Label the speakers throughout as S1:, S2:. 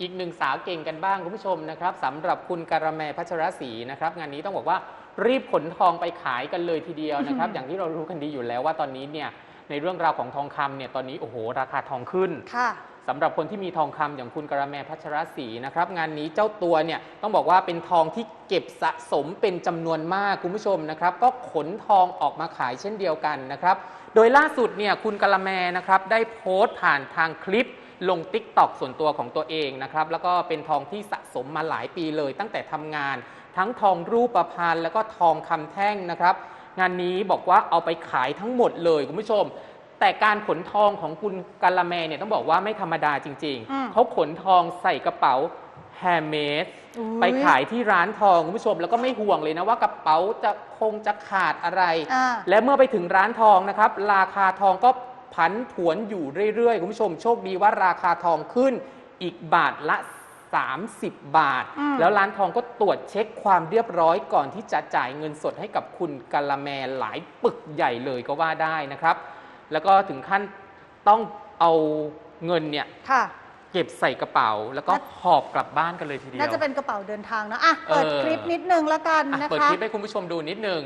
S1: อีกหนึ่งสาวเก่งกันบ้างคุณผู้ชมนะครับสำหรับคุณการะแมพัชรศรีนะครับงานนี้ต้องบอกว่ารีบขนทองไปขายกันเลยทีเดียวนะครับ อย่างที่เรารู้กันดีอยู่แล้วว่าตอนนี้เนี่ยในเรื่องราวของทองคำเนี่ยตอนนี้โอ้โหราคาทองขึ้น
S2: ค่ะ
S1: สำหรับคนที่มีทองคำอย่างคุณการะแมพัชรศรีนะครับงานนี้เจ้าตัวเนี่ยต้องบอกว่าเป็นทองที่เก็บสะสมเป็นจำนวนมากคุณผู้ชมนะครับก็ขนทองออกมาขายเช่นเดียวกันนะครับโดยล่าสุดเนี่ยคุณการะแมนะครับได้โพสต์ผ่านทางคลิปลง TikTok ส่วนตัวของตัวเองนะครับแล้วก็เป็นทองที่สะสมมาหลายปีเลยตั้งแต่ทำงานทั้งทองรูปพรรณแล้วก็ทองคำแท่งนะครับงานนี้บอกว่าเอาไปขายทั้งหมดเลยคุณผู้ชมแต่การขนทองของคุณการะแมเนี่ยต้องบอกว่าไม่ธรรมดาจริงๆเขาขนทองใส่กระเป๋าแฮมเมดไปขายที่ร้านทองคุณผู้ชมแล้วก็ไม่ห่วงเลยนะว่ากระเป๋าจะขาดอะไรและเมื่อไปถึงร้านทองนะครับราคาทองก็ผันผวนอยู่เรื่อยๆคุณผู้ชมโชคดีว่าราคาทองขึ้นอีกบาทละ30 บาทแล้วร้านทองก็ตรวจเช็คความเรียบร้อยก่อนที่จะจ่ายเงินสดให้กับคุณการะแมหลายปึกใหญ่เลยก็ว่าได้นะครับแล้วก็ถึงขั้นต้องเอาเงินเนี่ยเก็บใส่กระเป๋าแล้วก็หอบกลับบ้านกันเลยทีเดียว
S2: น่าจะเป็นกระเป๋าเดินทางนะอ่ะเปิดคลิปนิดนึงแล้วกันนะคะ
S1: เปิดคลิปให้คุณผู้ชมดูนิดนึง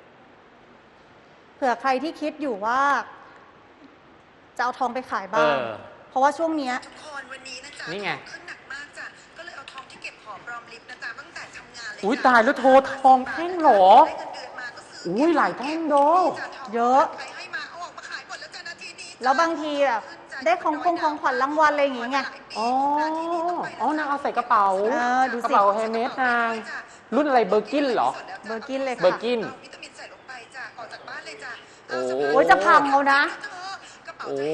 S2: เผื่อใครที่คิดอยู่ว่าจะเอาทองไปขายบ้างเพราะว่าช่วงนี้
S3: ทุกคนวันนี้นะจ๊ะ
S1: นี่ไง
S3: ขึ้นหนักมากจ้ะก็เลยเอาทองที่เก็บหอมรอมริบนะจ๊ะตั้งแต่ทำงานเลย
S1: อุ้ยตายแล้วโทรทองแท่งหรออุ้ยหลายแท่งโด
S2: เยอะแล้วบางทีแบบได้ของขวัญรางวัลอะไรอย่างเงี้ย
S1: อ๋อนางเอาใส่กระเป๋ากระเป๋าแฮมเมดนางรุ่นอะไรเบอร์กินเหรอ
S2: เบอร์กินเลยค่ะ
S1: เบอร์กิน
S2: โอ้ยจะพังเอานะ
S1: โอ้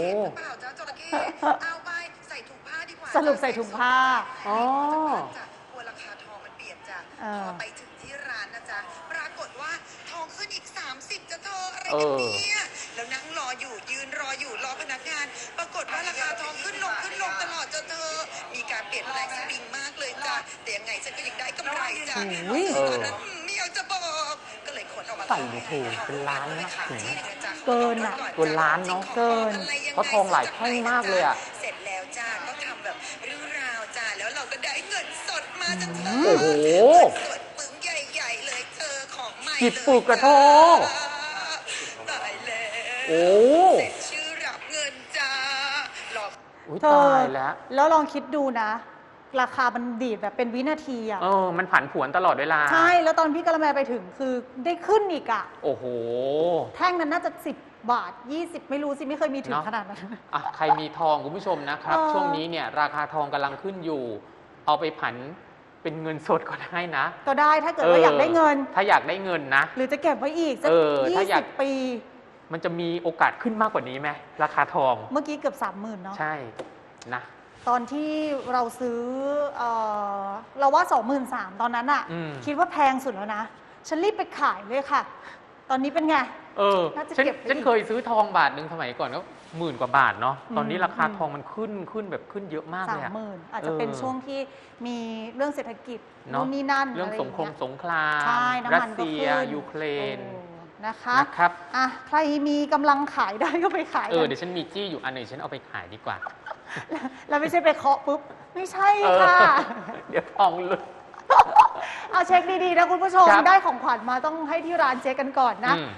S2: สรุปใส่ถุงผ้า
S1: อ๋
S3: อกลัวราคาทองมันเปลี่ยนจ้ะพอไปถึงที่ร้านนะจ๊ะปรากฏว่าทองขึ้นอีก30จะเธออะไรกันเนี่ยแล้วนั่งรออยู่ยืนรออยู่รอพนักงานปรากฏว่าราคาทองขึ้นลงตลอดจ้ะเธอมีการเปลี่ยนแปลงสวิงมากเลยจ้ะแต่ยังไงฉันก็ยังได้กำไรจ้ะตอนนั้นไม่อยากจะบอกก็เลยขนออกมา
S1: ใส่ถูกเป็นล้านนะ
S2: เกินอ่ะ
S1: เกินล้านเนาะ
S2: เกิน
S1: เพราะทองหลายแท่งมากเลยอ่ะ
S3: เสร็จแล้วจ้าก็ทำแบบเรื่องราวจ้าแล้วเราก็ได้เงินสดมาจากเธอ
S1: โอ้โห
S3: สดปึ้งใหญ่ๆเลยเธอของใหม่
S1: กี่ปึกกระทง
S3: ตายแล้ว
S1: โอ้
S3: เสร็จชื่อรับเงินจ้าหลอก
S1: ตาย
S2: แล้วลองคิดดูนะราคามันดีดแบบเป็นวินาทีอ่ะ
S1: มันผันผวนตลอดเวลา
S2: ใช่แล้วตอนพี่กะละแมไปถึงคือได้ขึ้นอีกอ่ะ
S1: โอ้โห
S2: แท่งนั้นน่าจะ10 บาท20ไม่รู้สิไม่เคยมีถึงขนาดนั้น
S1: ใครมีทองคุณผู้ชมนะครับช่วงนี้เนี่ยราคาทองกำลังขึ้นอยู่เอาไปผันเป็นเงินสดก็ได้นะ
S2: ก็ได้ถ้าเกิดว่าอยากได้เงิน
S1: ถ้าอยากได้เงินนะ
S2: หรือจะเก็บไว้อีกสัก20 ปี
S1: มันจะมีโอกาสขึ้นมากกว่านี้ไหมราคาทอง
S2: เมื่อกี้เกือบ30,000เนาะ
S1: ใช่นะ
S2: ตอนที่เราซื้อเราว่า23,000ตอนนั้นอะคิดว่าแพงสุดแล้วนะฉันรีบไปขายเลยค่ะตอนนี้เป็นไง
S1: น่าจะเก็บฉันเคยซื้อทองบาทหนึ่งสมัยก่อนก็10,000 กว่าบาทเนาะตอนนี้ราคาทองมันขึ้นแบบขึ้นเยอะมากเลย
S2: 30,000อาจจะเป็นช่วงที่มีเรื่องเศรษฐกิจนู่นนี่นั่น
S1: เรื่องสงครามรัสเซียยูเครน
S2: นะคะใครมีกำลังขายได้ก็ไปขาย
S1: เดี๋ยวฉันมีจี้อยู่อันหนึ่งฉันเอาไปขายดีกว่า
S2: แล้วไม่ใช่ไปเคาะปุ๊บไม่ใช่ค่ะ
S1: เดี๋ยวทองหลุด
S2: เอาเช็คดีๆนะคุณผู้ชมได้ของขวัญมาต้องให้ที่ร้านเช็คกันก่อนนะ